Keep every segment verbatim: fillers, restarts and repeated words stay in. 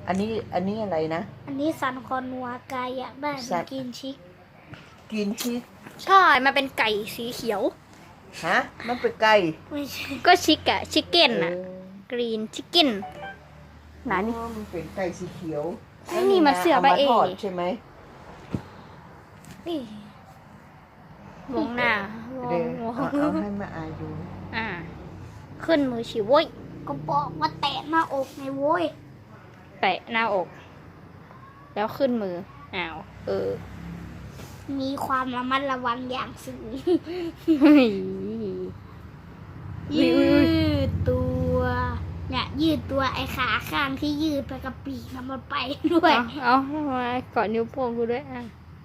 อันนี้อันนี้อะไรนะอันนี้ซันคอนัวกายอยากได้มันกินชิคกินชีสใช่มันเป็นไก่สีเขียวฮะมันเป็นไก่ไม่ใช่ก็ชิคอะชิคเก้นอะกรีนชิคเก้นหนานี่มันเป็นไก่สีเขียวนี่มันเสือใบเอามาทอดใช่ไหมนี่วงหน้าเดี๋ยวเอาเอาให้มาอายดูอ่าขึ้นมือฉีโว้ยก็บอกว่าแตะหน้าอกในโว้ยแตะหน้าอก แล้วขึ้นมืออ้าวเออมีความระมัดระวังอย่างสูงเฮ้ยยืดตัวเนี่ยยืดตัวไอ้ขาข้างที่ยืดไปกับปีกมันไปด้วยเอาเอามาเกาะนิ้วโป้งกูด้วยอ่ะ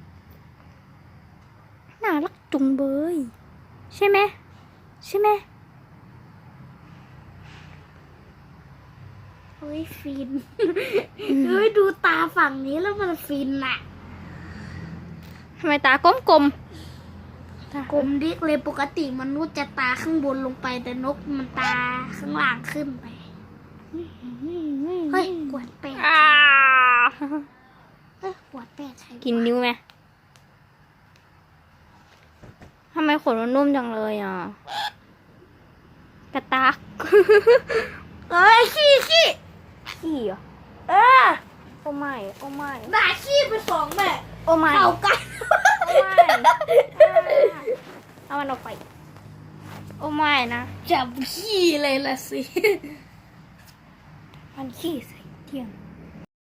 น่ารักจุงเบยใช่ไหมใช่ไหมเฮ้ยฟิน เฮ้ยดูตาฝั่งนี้แล้วมันฟินอะทำไมตากลมกลมๆตากลมดิกเลยปกติมนุษย์จะตาข้างบนลงไปแต่นกมันตาข้างล่างขึ้นไป เฮ้ยกวดแปดอ่าเฮ้ยกวดแปดใครกินนิ้วไหมทำไมขนมันนุ่มจังเลยอ่ะ กระตักเอ้ยขี้ขี้ขี้เหรอเออโอ้ไม่โอ้ไม่ด่าขี้ไปสองแม่โอ้ไม่เข้ากันโอ้ไม่เอามันออกไป โอ้ไม่นะจับขี้เลยละสิมันขี้ใส่เที่ยง